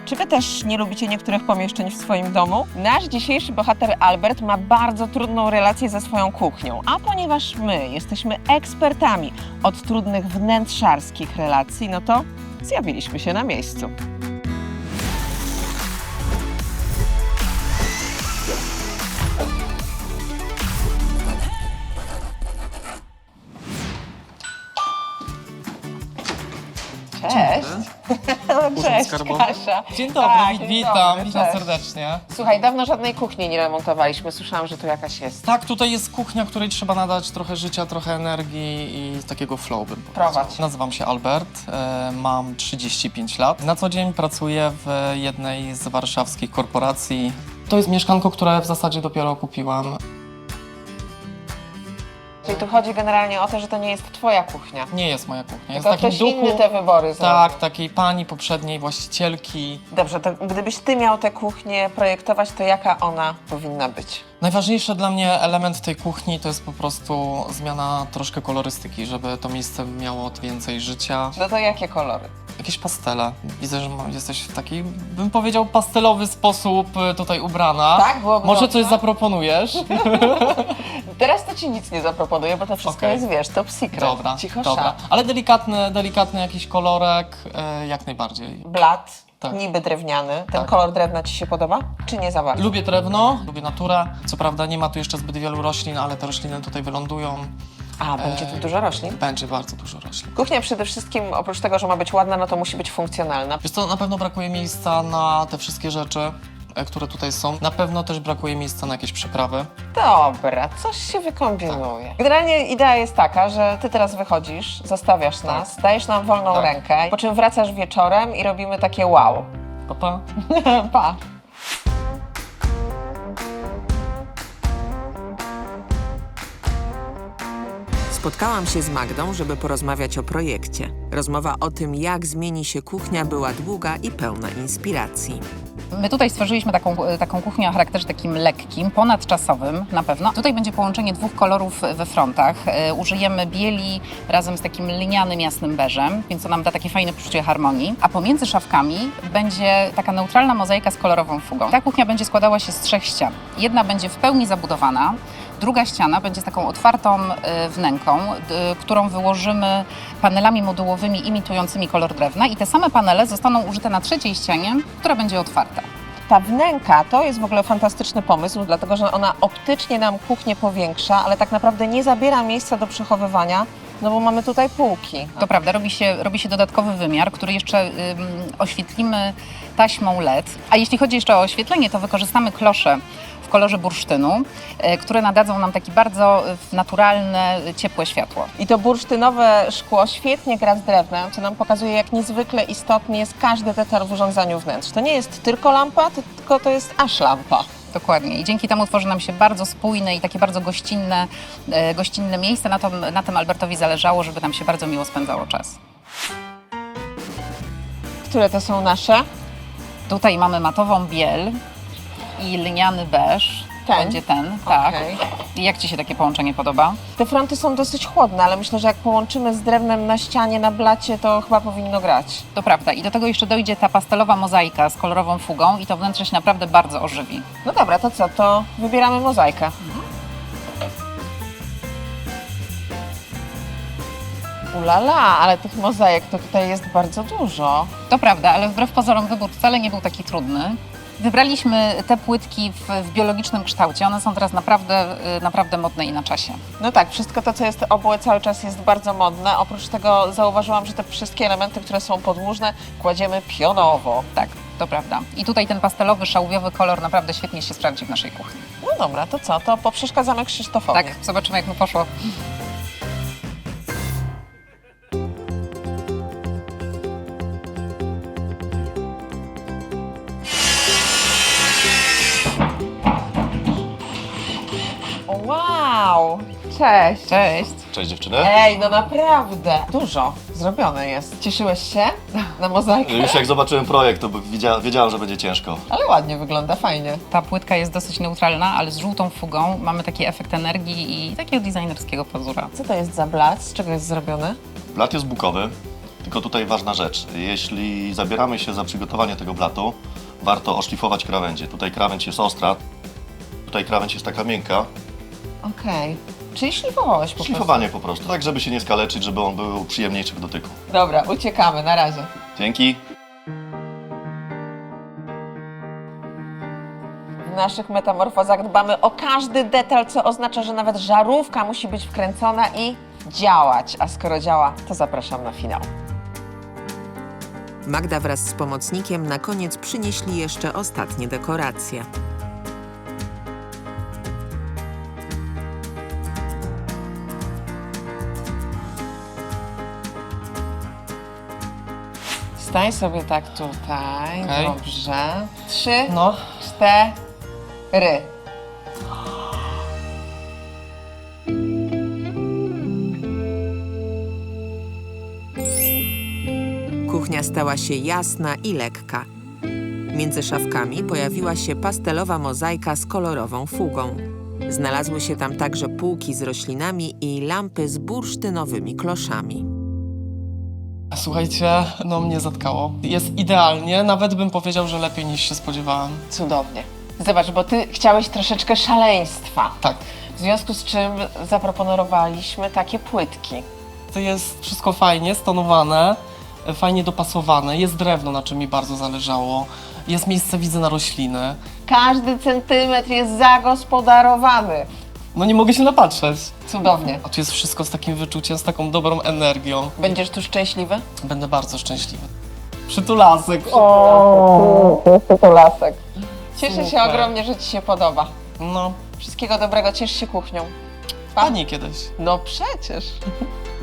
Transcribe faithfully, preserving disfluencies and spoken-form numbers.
Czy wy też nie lubicie niektórych pomieszczeń w swoim domu? Nasz dzisiejszy bohater Albert ma bardzo trudną relację ze swoją kuchnią, a ponieważ my jesteśmy ekspertami od trudnych wnętrzarskich relacji, no to zjawiliśmy się na miejscu. Cześć. Cześć, Kasia. Dzień dobry, Tak, wit- dzień witam, dobry, witam cześć. serdecznie. Słuchaj, dawno żadnej kuchni nie remontowaliśmy. Słyszałam, że tu jakaś jest. Tak, tutaj jest kuchnia, której trzeba nadać trochę życia, trochę energii i takiego flow, bym powiedział. Prowadź. Nazywam się Albert, e, mam trzydzieści pięć lat. Na co dzień pracuję w jednej z warszawskich korporacji. To jest mieszkanko, które w zasadzie dopiero kupiłam. Czyli tu chodzi generalnie o to, że to nie jest twoja kuchnia. Nie jest moja kuchnia, jest Tylko w takim ktoś duchu. inny te wybory zrobił. Tak, takiej pani poprzedniej właścicielki. Dobrze, to gdybyś ty miał tę kuchnię projektować, to jaka ona powinna być? Najważniejszy dla mnie element tej kuchni to jest po prostu zmiana troszkę kolorystyki, żeby to miejsce miało więcej życia. No to jakie kolory? Jakieś pastele. Widzę, że ma- jesteś w taki, bym powiedział, pastelowy sposób y, tutaj ubrana. Tak, byłoby Może dobrze. coś zaproponujesz? Teraz to ci nic nie zaproponuję, bo to wszystko Okej. jest, wiesz, top secret. Dobra, Cicho dobra. szat. Ale delikatny, delikatny jakiś kolorek, y, jak najbardziej. Blat, Tak. niby drewniany. Ten Tak. kolor drewna ci się podoba? Czy nie za bardzo? Lubię drewno, lubię naturę. Co prawda nie ma tu jeszcze zbyt wielu roślin, ale te rośliny tutaj wylądują. A, będzie tu Eee. dużo roślin? Będzie bardzo dużo roślin. Kuchnia przede wszystkim, oprócz tego, że ma być ładna, no to musi być funkcjonalna. Wiesz co, na pewno brakuje miejsca na te wszystkie rzeczy, e, które tutaj są. Na pewno też brakuje miejsca na jakieś przyprawy. Dobra, coś się wykombinuje. Generalnie idea jest taka, że ty teraz wychodzisz, zostawiasz nas, dajesz nam wolną Tak. rękę, po czym wracasz wieczorem i robimy takie wow. Pa, pa. Pa! Spotkałam się z Magdą, żeby porozmawiać o projekcie. Rozmowa o tym, jak zmieni się kuchnia, była długa i pełna inspiracji. My tutaj stworzyliśmy taką, taką kuchnię o charakterze takim lekkim, ponadczasowym na pewno. Tutaj będzie połączenie dwóch kolorów we frontach. E, użyjemy bieli razem z takim linianym, jasnym beżem, więc to nam da takie fajne poczucie harmonii. A pomiędzy szafkami będzie taka neutralna mozaika z kolorową fugą. Ta kuchnia będzie składała się z trzech ścian. Jedna będzie w pełni zabudowana, druga ściana będzie z taką otwartą e, wnęką, d, którą wyłożymy panelami modułowymi imitującymi kolor drewna i te same panele zostaną użyte na trzeciej ścianie, która będzie otwarta. Ta wnęka to jest w ogóle fantastyczny pomysł, dlatego że ona optycznie nam kuchnię powiększa, ale tak naprawdę nie zabiera miejsca do przechowywania, no bo mamy tutaj półki. To prawda, robi się, robi się dodatkowy wymiar, który jeszcze ym, oświetlimy taśmą L E D. A jeśli chodzi jeszcze o oświetlenie, to wykorzystamy klosze w kolorze bursztynu, y, które nadadzą nam takie bardzo y, naturalne, y, ciepłe światło. I to bursztynowe szkło świetnie gra z drewnem, co nam pokazuje, jak niezwykle istotny jest każdy detal w urządzaniu wnętrz. To nie jest tylko lampa, tylko to jest aż lampa. Dokładnie. I dzięki temu tworzy nam się bardzo spójne i takie bardzo gościnne, y, gościnne miejsce. Na, to, na tym Albertowi zależało, żeby nam się bardzo miło spędzało czas. Które to są nasze? Tutaj mamy matową biel i lniany beż. Ten? Będzie ten, tak. Okej. I jak Ci się takie połączenie podoba? Te fronty są dosyć chłodne, ale myślę, że jak połączymy z drewnem na ścianie, na blacie, to chyba powinno grać. To prawda. I do tego jeszcze dojdzie ta pastelowa mozaika z kolorową fugą i to wnętrze się naprawdę bardzo ożywi. No dobra, to co? To wybieramy mozaikę. Ulala, ale tych mozaik to tutaj jest bardzo dużo. To prawda, ale wbrew pozorom wybór wcale nie był taki trudny. Wybraliśmy te płytki w, w biologicznym kształcie. One są teraz naprawdę, y, naprawdę modne i na czasie. No tak, wszystko to, co jest obłe, cały czas jest bardzo modne. Oprócz tego zauważyłam, że te wszystkie elementy, które są podłużne, kładziemy pionowo. Tak, to prawda. I tutaj ten pastelowy, szałwiowy kolor naprawdę świetnie się sprawdzi w naszej kuchni. No dobra, to co? To poprzeszkadzamy Krzysztofowi. Tak, zobaczymy jak mu poszło. Wow! Cześć! Cześć! Cześć dziewczyny. Ej, no naprawdę! Dużo zrobione jest. Cieszyłeś się na mozaikę? Już jak zobaczyłem projekt, to wiedzia- wiedziałem, że będzie ciężko. Ale ładnie wygląda, fajnie. Ta płytka jest dosyć neutralna, ale z żółtą fugą mamy taki efekt energii i takiego designerskiego pazura. Co to jest za blat? Z czego jest zrobiony? Blat jest bukowy. Tylko tutaj ważna rzecz. Jeśli zabieramy się za przygotowanie tego blatu, warto oszlifować krawędzie. Tutaj krawędź jest ostra, tutaj krawędź jest taka miękka. Okej. Czyli szlifowałeś po prostu. Szlifowanie po prostu, tak żeby się nie skaleczyć, żeby on był przyjemniejszy w dotyku. Dobra, uciekamy, na razie. Dzięki. W naszych metamorfozach dbamy o każdy detal, co oznacza, że nawet żarówka musi być wkręcona i działać. A skoro działa, to zapraszam na finał. Magda wraz z pomocnikiem na koniec przynieśli jeszcze ostatnie dekoracje. Stań sobie tak tutaj, Okej. dobrze. Trzy, No, cztery. Kuchnia stała się jasna i lekka. Między szafkami pojawiła się pastelowa mozaika z kolorową fugą. Znalazły się tam także półki z roślinami i lampy z bursztynowymi kloszami. słuchajcie, no mnie zatkało. Jest idealnie, nawet bym powiedział, że lepiej niż się spodziewałem. Cudownie. Zobacz, bo ty chciałeś troszeczkę szaleństwa. Tak, W związku z czym zaproponowaliśmy takie płytki. to jest wszystko fajnie stonowane, fajnie dopasowane. Jest drewno, na czym mi bardzo zależało. Jest miejsce, widzę, na rośliny. Każdy centymetr jest zagospodarowany. No nie mogę się napatrzeć. Cudownie. A tu jest wszystko z takim wyczuciem, z taką dobrą energią. Będziesz tu szczęśliwy? Będę bardzo szczęśliwy. Przytulasek. O, to lasek. Cieszę się Super. ogromnie, że ci się podoba. No, Wszystkiego dobrego, ciesz się kuchnią. pani kiedyś. No przecież.